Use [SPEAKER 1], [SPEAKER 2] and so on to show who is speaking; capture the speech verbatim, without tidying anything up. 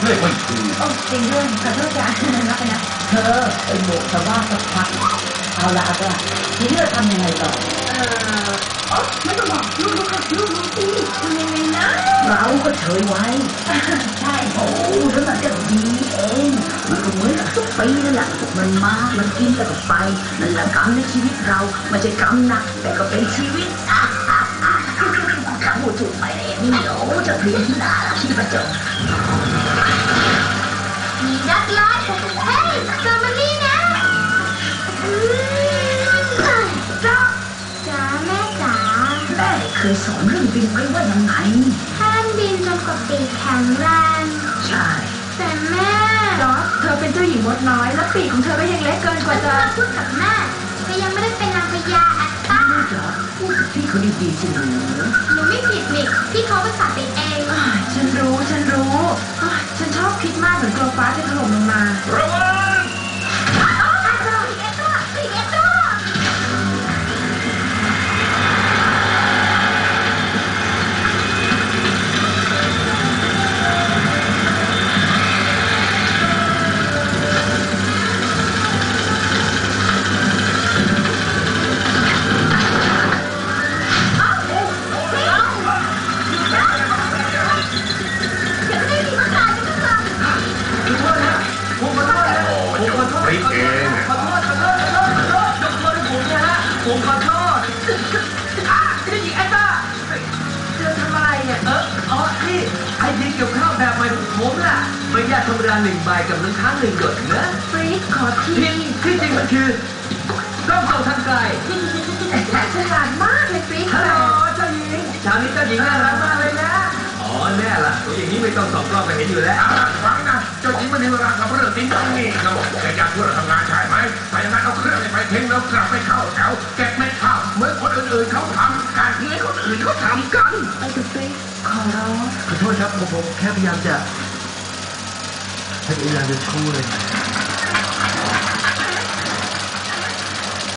[SPEAKER 1] เรื่อยไม่ถูก
[SPEAKER 2] โอ้จริงด้วยขอโทษจ้ะรับไปนะ
[SPEAKER 3] เธอไอ้โบกชาวบ้านสักพักเอาละเอาละทีนี้เราทำยังไงต่อ
[SPEAKER 2] เออโอ้ไม่ต้องบอกลูกลูกค่ะลูกลูกสิทำยังไงนะ
[SPEAKER 3] เราก็เฉยไว้
[SPEAKER 2] ใช่
[SPEAKER 3] โอ้แล้วมันก็ดีเองมันก็เหมือนกับทุกปีนั่นแหละมันมามันกินแล้วก็ไปนั่นแหละกรรมในชีวิตเราไม่ใช่กรรมหนักแต่ก็เป็นชีวิตพูดถูกไปเลยนี่โอ้จะเพี้ยนด่าคิดประจบ
[SPEAKER 2] มีนักล่าเฮ้ยเจอมันนี่นะจ้าจ๋าแม่จ๋า
[SPEAKER 3] แม่เคยสอนเรื่องบินไว้ว่ายังไง
[SPEAKER 2] ห้ามบินจนกว่าปีกแข็งแรง
[SPEAKER 3] ใช่
[SPEAKER 2] แต่แม่จอร์จเธอเป็นเจ้าหญิงมดน้อยแล้วปีกของเธอก็ยังเล็กเกินกว่าจะพูดกับแม่ก็ยังไม่ได้เป็นนางพญาอัตตา
[SPEAKER 3] จอร์จพูดกับพี่เขาดีๆสิหนู
[SPEAKER 2] หนูไม่ผิดนี่พี่เขาประสาทไปเองฉันรู้ฉันรู้ฉันชอบคิดมากเหมือนกลัวฟ้าจะถล่มลงมา
[SPEAKER 1] ระวัง
[SPEAKER 4] ผมขอโทษอ่ะนี่หญิงแอนต้าเธอทำอะไรเนี่ยเอออ๋อนี่ไอเดียเกี่ยวข้าวแบบใหม่ของผมน่ะไม่ยากธรรมดาหนึ่งใบกับน้ำค้างหนึ่งหยดนะ
[SPEAKER 2] ฟรีขอที
[SPEAKER 4] ที่ที่จริงมันคือต้องส่งทางไกล
[SPEAKER 2] ฉลาดมากเลยฟรี
[SPEAKER 4] ฮัลโหลเจ้าหญิงเช้านี้เจ้าหญิงน่ารักมากเลยนะอ๋อแน่ล่ะตัวอย่างนี้ไม่ต้องสอบกล้องไปเห็นอยู่แล้ว
[SPEAKER 1] ฟังนะเจ้าหญิงไม่มีเวลากับเรื่องติ้งต้องนี่เราแกอยากช่วยเราทำงานใช่ไหมไปอย่างนั้นเอาเครื่องไปทิ้งแล้วกลับไปเข้าแถวเก็บเม็ดข้าวเหมือนคนอื่นๆเขาทำการเงินคนอื่นเขาทำกัน
[SPEAKER 2] ไปดูฟรีขอร้อง
[SPEAKER 4] ขอโทษครับผมแค่พยายามจะพยายามจะช่วย